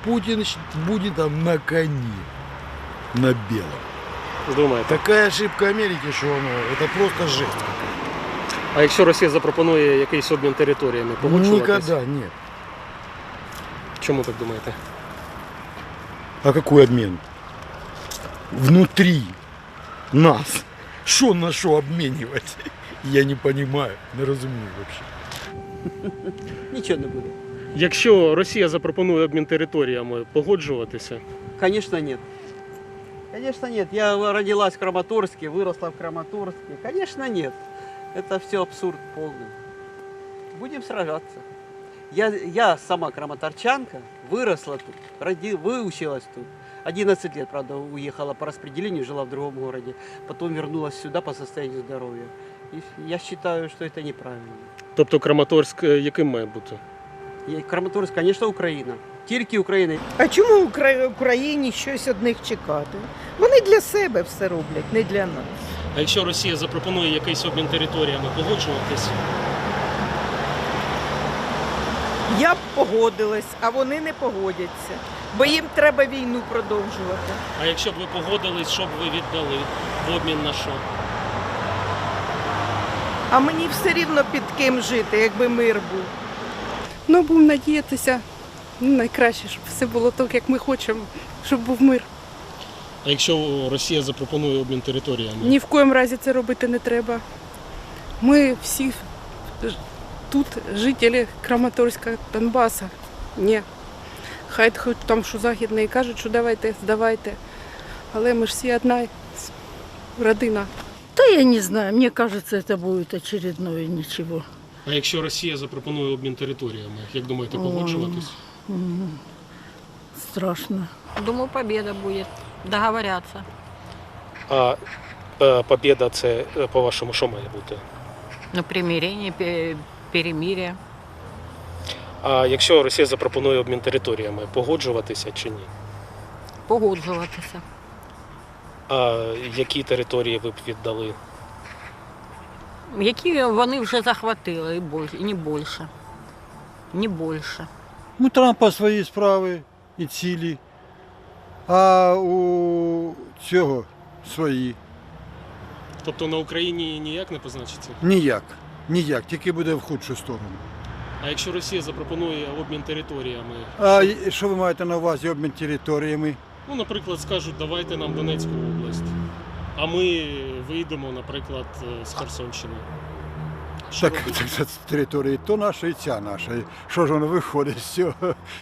Путин будет там на коне, на белом. Думаєте? Такая ошибка Америки, что это просто жесть. А якщо Росія запропонує якийсь обмін територіями, погоджуватись? Никогда нет. Чому так думаєте? А какой обмен? Внутри нас. Что на что обменивать? Я не понимаю, не разумею вообще. Нічого не буде. Якщо Росія запропонує обмін територіями, погоджуватися? Конечно, нет. Конечно, нет. Я родилась в Краматорске, выросла в Краматорске. Конечно, нет. Это все абсурд полный. Будем сражаться. Я сама краматорчанка, выросла тут, выучилась тут. 11 лет, правда, уехала по распределению, жила в другом городе. Потом вернулась сюда по состоянию здоровья. И я считаю, что это неправильно. Тобто Краматорськ яким має бути? Краматорск, конечно, Украина. Тільки Україна. А чому Україні щось від них чекати? Вони для себе все роблять, не для нас. А якщо Росія запропонує якийсь обмін територіями, погоджуватись? Я б погодилась, а вони не погодяться, бо їм треба війну продовжувати. А якщо б ви погодились, що б ви віддали? В обмін на що? А мені все рівно під ким жити, якби мир був. Ну, будемо надіятися, найкраще, щоб все було так, як ми хочемо, щоб був мир. А якщо Росія запропонує обмін територіями? Ні в коєму разі це робити не треба. Ми всі тут жителі Краматорська, Донбаса. Ні. Хай хоч там, що західні, кажуть, що давайте, здавайте. Але ми ж всі одна родина. Да я не знаю, мне кажется, это будет очередное ничего. А якщо Росія запропонує обмін територіями, як думаєте, погоджуватись? Страшно. Думаю, победа будет. Договорятся. А побєда це, по-вашому, що має бути? Ну, примирение, перемирие. А якщо Росія запропонує обмін територіями, погоджуватися чи ні? Погоджуватися. А які території ви б віддали? Які вони вже захватили, і не більше. Не більше. У Трампа свої справи і цілі, а у цього свої. Тобто на Україні ніяк не позначиться? Ніяк, тільки буде в худшу сторону. А якщо Росія запропонує обмін територіями? А що ви маєте на увазі обмін територіями? Ну, наприклад, скажуть, давайте нам Донецьку область, а ми вийдемо, наприклад, з Херсонщини. Що Так, робити? це території то наша і ця наша. Що ж воно виходить з цього?